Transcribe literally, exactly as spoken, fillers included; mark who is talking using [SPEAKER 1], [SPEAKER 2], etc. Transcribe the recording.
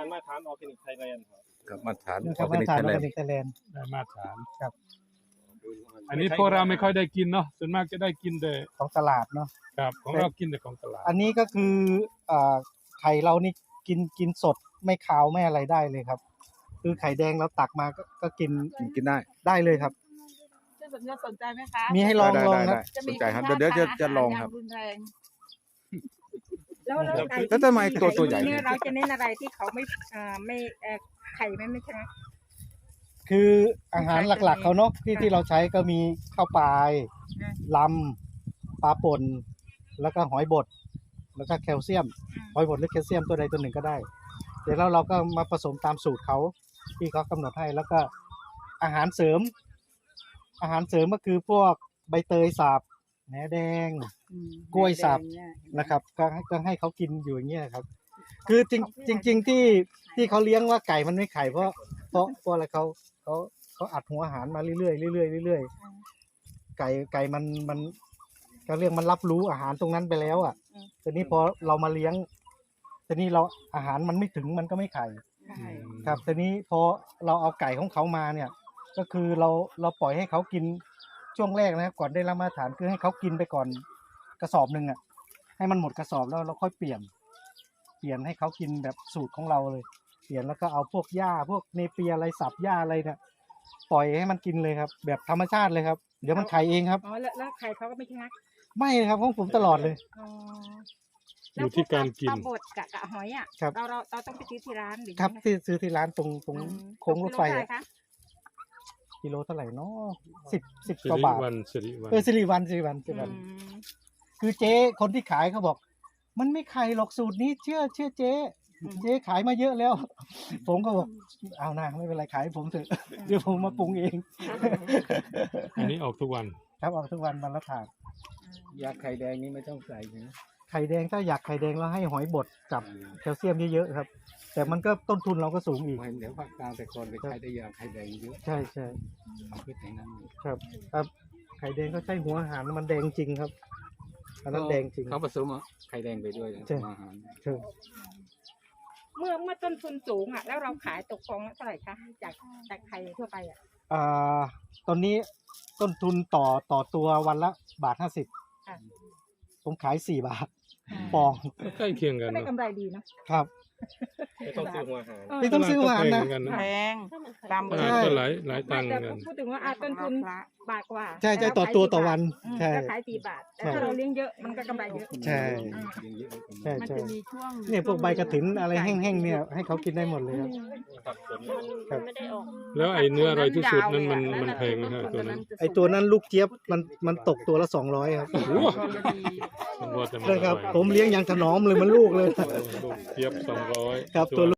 [SPEAKER 1] านมาตรฐานออร์แกนิกไทยแลนด์ครับ
[SPEAKER 2] กับมาตรฐาน
[SPEAKER 3] นะค
[SPEAKER 2] อ
[SPEAKER 3] รั
[SPEAKER 2] อบ ร์แก
[SPEAKER 3] มาตร
[SPEAKER 2] นิก
[SPEAKER 3] ฐาน
[SPEAKER 2] ไท
[SPEAKER 3] อย
[SPEAKER 2] แล
[SPEAKER 3] อน ร์แกนิกไทยแลนด์
[SPEAKER 4] ได้มาตรฐาน
[SPEAKER 3] ครับ
[SPEAKER 4] อันนี้พวกเราไม่ค่อยได้กินเนาะส่วนมากจะได้กินแต่
[SPEAKER 3] ของตลาดเนาะ
[SPEAKER 4] ครับของเรากินแต่ของตลาด
[SPEAKER 3] อันนี้ก็คืออ่าไข่เรานี่กินกินสดไม่คาวไม่อะไรได้เลยครับ คือไข่แดงเราตักมาก็ก็กิน
[SPEAKER 2] กินกินได้
[SPEAKER 3] ได้เลยครับ
[SPEAKER 5] จะสนสนใจไหมคะ
[SPEAKER 3] มีให้ลอง
[SPEAKER 2] ได้
[SPEAKER 3] ลอง
[SPEAKER 2] ได้
[SPEAKER 3] นะ
[SPEAKER 2] ได้สนใจครับเดี๋ยวเดี๋ยวจะจะลองครับ
[SPEAKER 5] รุนแรง
[SPEAKER 6] แล้วแล้วไก่
[SPEAKER 2] แล้วทำไมตัวตัวใหญ่
[SPEAKER 6] เนี่ยเราจะเน้นอะไรที่เขาไม่อ่าไม่เอ่อไข่ไม่ไม่ใช่ไหม
[SPEAKER 3] คืออาหารหลักๆเขาเนาะที่ที่เราใช้ก็มีข้าวปลายลำปลาป่นแล้วก็หอยบดแล้วก็แคลเซียมหอยบดหรือแคลเซียมตัวใดตัวหนึ่งก็ได้ เดี๋ยวเราเราก็มาผสมตามสูตรเขาที่เขากำหนดให้แล้วก็อาหารเสริม อาหารเสริมก็คือพวกใบเตยสับแหนแดง กล้วยสับ นะครับก็ให้ก็ให้เขากินอยู่อย่างเงี้ยครับ คือจริงจริงจริงที่ที่เขาเลี้ยงว่าไก่มันไม่ไข่เพราะเพราะเพราะอะไรเขาเขาเขาอัดหัวอาหารมาเรื่อยๆเรื่อยๆเรื่อยๆไก่ไก่มันมันก็เรียกมันรับรู้อาหารตรงนั้นไปแล้วอ่ะทีนี้พอเรามาเลี้ยงทีนี้เราอาหารมันไม่ถึงมันก็ไม่ไข่ครับทีนี้พอเราเอาไก่ของเขามาเนี่ย ก็คือเราเราปล่อยให้เขากินช่วงแรกนะครับก่อนได้รับมาตรฐานคือให้เขากินไปก่อนกระสอบหนึ่งอ่ะให้มันหมดกระสอบแล้วเราค่อยเปลี่ยน เปลี่ยนให้เขากินแบบสูตรของเราเลย เปลี่ยนแล้วก็เอาพวกหญ้าพวกเนเปียอะไรสับหญ้าอะไรเนี่ยปล่อยให้มันกินเลยครับ แบบธรรมชาติเลยครับเดี๋ยวมันไข่เองครับ
[SPEAKER 6] อ๋อแล้วแล้วไข่เขาก็ไม่ชะงัก
[SPEAKER 3] ไม่ครับของผมตลอดเลย
[SPEAKER 6] อ๋อ
[SPEAKER 4] อยู่ที่การกิน
[SPEAKER 6] ปลาบดกับกะหอยอ่ะ
[SPEAKER 3] ครับ
[SPEAKER 6] เราเราเราต้องไปซื้อที่ร้านหรือ
[SPEAKER 3] ครับ
[SPEAKER 6] ยังไง
[SPEAKER 3] ที่ซื้อที่ร้านตรงตรง
[SPEAKER 6] อืม
[SPEAKER 3] โค้งรถไฟ
[SPEAKER 6] กิโล
[SPEAKER 3] อะ
[SPEAKER 6] เท่าหคะ
[SPEAKER 3] กิโลเท่าไหร่เนาะสิบสิบ
[SPEAKER 4] สิ
[SPEAKER 3] กว่า
[SPEAKER 4] ริ
[SPEAKER 3] บาท
[SPEAKER 4] วันสิริวัน
[SPEAKER 3] เออสิริวันสิริวันสิริวัน
[SPEAKER 6] อืม
[SPEAKER 3] คือเจ๊คนที่ขายเขาบอก มันไม่ไข่หรอกสูตรนี้เชื่อเชื่อเจ๊เจ๊ขายมาเยอะแล้ว ผมก็บอกเอานะไม่เป็นไรขายให้ผมเถอะเดี๋ยวผมมาปรุงเอง
[SPEAKER 4] อันนี้ออกทุกวัน
[SPEAKER 3] ครับออกทุกวันวันละถาด
[SPEAKER 2] ยาไข่แดงนี่ไม่ต้องใส่นะ
[SPEAKER 3] ไข่แดงถ้าอยากไข่แดงเราให้หอยบดกับแคลเซียมเยอะๆครับ แต่มันก็ต้นทุนเราก็สูงอีก
[SPEAKER 2] เห็นเดี๋ยวภาคกลางแต่ก่อนไปใช้ได้ยาไข่แดงเยอะ
[SPEAKER 3] ใช่ใช่
[SPEAKER 2] เอาพืชไหนนั้น
[SPEAKER 3] ครับครับไข่แดงก็ใช่หัวอาหารมันแดงจริงครับอันนั้นแดงจริง
[SPEAKER 2] เขาผสมไข่แดงไปด้วย
[SPEAKER 3] ใช่
[SPEAKER 2] อาหาร
[SPEAKER 3] ใช่
[SPEAKER 6] เมื่อเมื่อต้นทุนสูงอ่ะแล้วเราขายตกฟองละเท่าไหร่คะจากจากไข่ทั่วไปอ่ะ
[SPEAKER 3] อ่าตอนนี้ต้นทุนต่อต่อตัววันละบาทห้าสิบ
[SPEAKER 6] ค่ะ
[SPEAKER 3] ผมขายสี่บาทฟอง
[SPEAKER 4] ก็ใกล้เคียงกัน
[SPEAKER 6] ก็ได้
[SPEAKER 4] เนาะ
[SPEAKER 6] กำไรดีนะ
[SPEAKER 3] ครับ
[SPEAKER 1] ไม่ต้องซื้อหัวอาหาร
[SPEAKER 3] ไม่ต้องซื้อหวานนะ
[SPEAKER 4] ตลดก็แพงเหมือกั
[SPEAKER 5] แพงตาม
[SPEAKER 4] ตลาดก็หลายหลายตังค์เหมื
[SPEAKER 6] แต่
[SPEAKER 4] อนกัน
[SPEAKER 6] พูดถึงว่าอ่ะต้นทุนบาทกว่า
[SPEAKER 3] ใช่ใช่
[SPEAKER 6] แเรา
[SPEAKER 3] ต่อตัว
[SPEAKER 6] ขาย
[SPEAKER 3] ต่อวัน
[SPEAKER 6] อืม
[SPEAKER 3] ใช่
[SPEAKER 6] ก็ขายสี่บาทแต่
[SPEAKER 3] ใช่
[SPEAKER 6] ถ้าเราเลี้ยงเยอะมันก็กำไรเยอะ
[SPEAKER 3] ใช่ ใช่
[SPEAKER 5] มัน
[SPEAKER 3] ใช่
[SPEAKER 5] จะมีช่วง
[SPEAKER 3] เนี่ยพวกใบกระถินอะไรแห้งๆเนี่ยให้เขากินได้หมดเลยครับ
[SPEAKER 1] ครับผม
[SPEAKER 3] ครับ
[SPEAKER 5] ไม่ได้ออก
[SPEAKER 4] แล้วไอ้เนื้ออร่อยที่สุดนั้นมันมันแพงไหมฮะตัวนั้น
[SPEAKER 3] ไอตัวนั้นลูกเจี๊ยบมันมันตกตัวละสองร้อยครับ
[SPEAKER 4] โอ้โหมันว่าแต่มัน
[SPEAKER 3] ใช่
[SPEAKER 4] อ
[SPEAKER 3] ครับ
[SPEAKER 4] ร่อย
[SPEAKER 3] ผมเลี้ยงอย่างถนอมเลยมันลูกเลย
[SPEAKER 4] ลูกเทียบสองร้อย
[SPEAKER 3] ครับตัว